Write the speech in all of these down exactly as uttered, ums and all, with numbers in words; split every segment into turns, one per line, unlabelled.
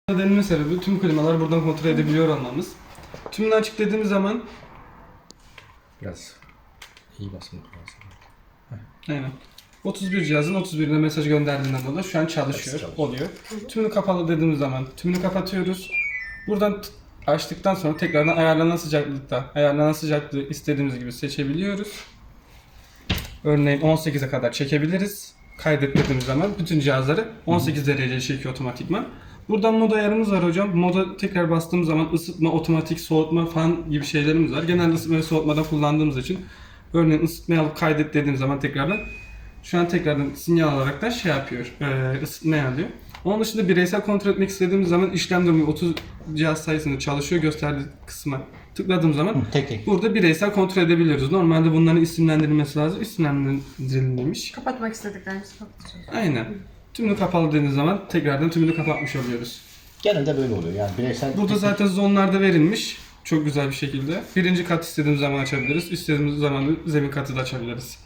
Denilme sebebi tüm klimalar buradan kontrol edebiliyor olmamız. Tümünü açık dediğimiz zaman
Biraz iyi basmak lazım.
aynen. otuz bir cihazın otuz birine mesaj gönderdiğinden dolayı şu an çalışıyor,
çalışıyor.
oluyor. Tümünü kapalı dediğimiz zaman tümünü kapatıyoruz. Buradan t- açtıktan sonra tekrardan ayarlanan sıcaklıkta, ayarlanan sıcaklığı istediğimiz gibi seçebiliyoruz. Örneğin on sekize kadar çekebiliriz. Kaydet dediğimiz zaman bütün cihazları on sekiz dereceye çekiyor otomatikman. Buradan mod ayarımız var hocam. Moda tekrar bastığımız zaman ısıtma, otomatik soğutma falan gibi şeylerimiz var. Genelde ısıtma ve soğutmadan kullandığımız için örneğin ısıtmayı alıp kaydet dediğim zaman tekrardan şu an tekrardan sinyal alarak da şey yapıyor, e, ısıtmayı alıyor. Onun dışında bireysel kontrol etmek istediğimiz zaman işlem durumu otuz cihaz sayısında çalışıyor gösterdiği kısma tıkladığım zaman
Hı, tek tek.
burada bireysel kontrol edebiliyoruz. Normalde bunların isimlendirilmesi lazım. İsimlendirilmemiş.
Kapatmak istediklerimizi kapatacağız.
Aynen. Tümünü kapalı dediğiniz zaman tekrardan tümünü kapatmış oluyoruz.
Genelde böyle oluyor yani bireysel.
Burada zaten zonlarda verilmiş. Çok güzel bir şekilde. Birinci kat istediğimiz zaman açabiliriz. İstediğimiz zaman zemin katı da açabiliriz.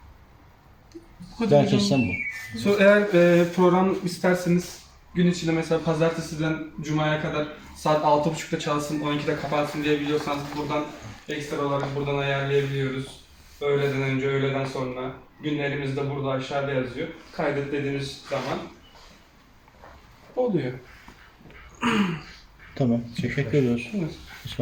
Belki sen bu.
So, eğer e, program isterseniz gün içinde mesela pazartesiden cumaya kadar saat altı buçukta çalsın, on ikide kapansın diyebiliyorsanız buradan ekstra olarak buradan ayarlayabiliyoruz. Öğleden önce, öğleden sonra. Günlerimiz de burada aşağıda yazıyor. Kaydet dediğimiz zaman oluyor.
Tamam. Teşekkür ediyoruz.
Evet.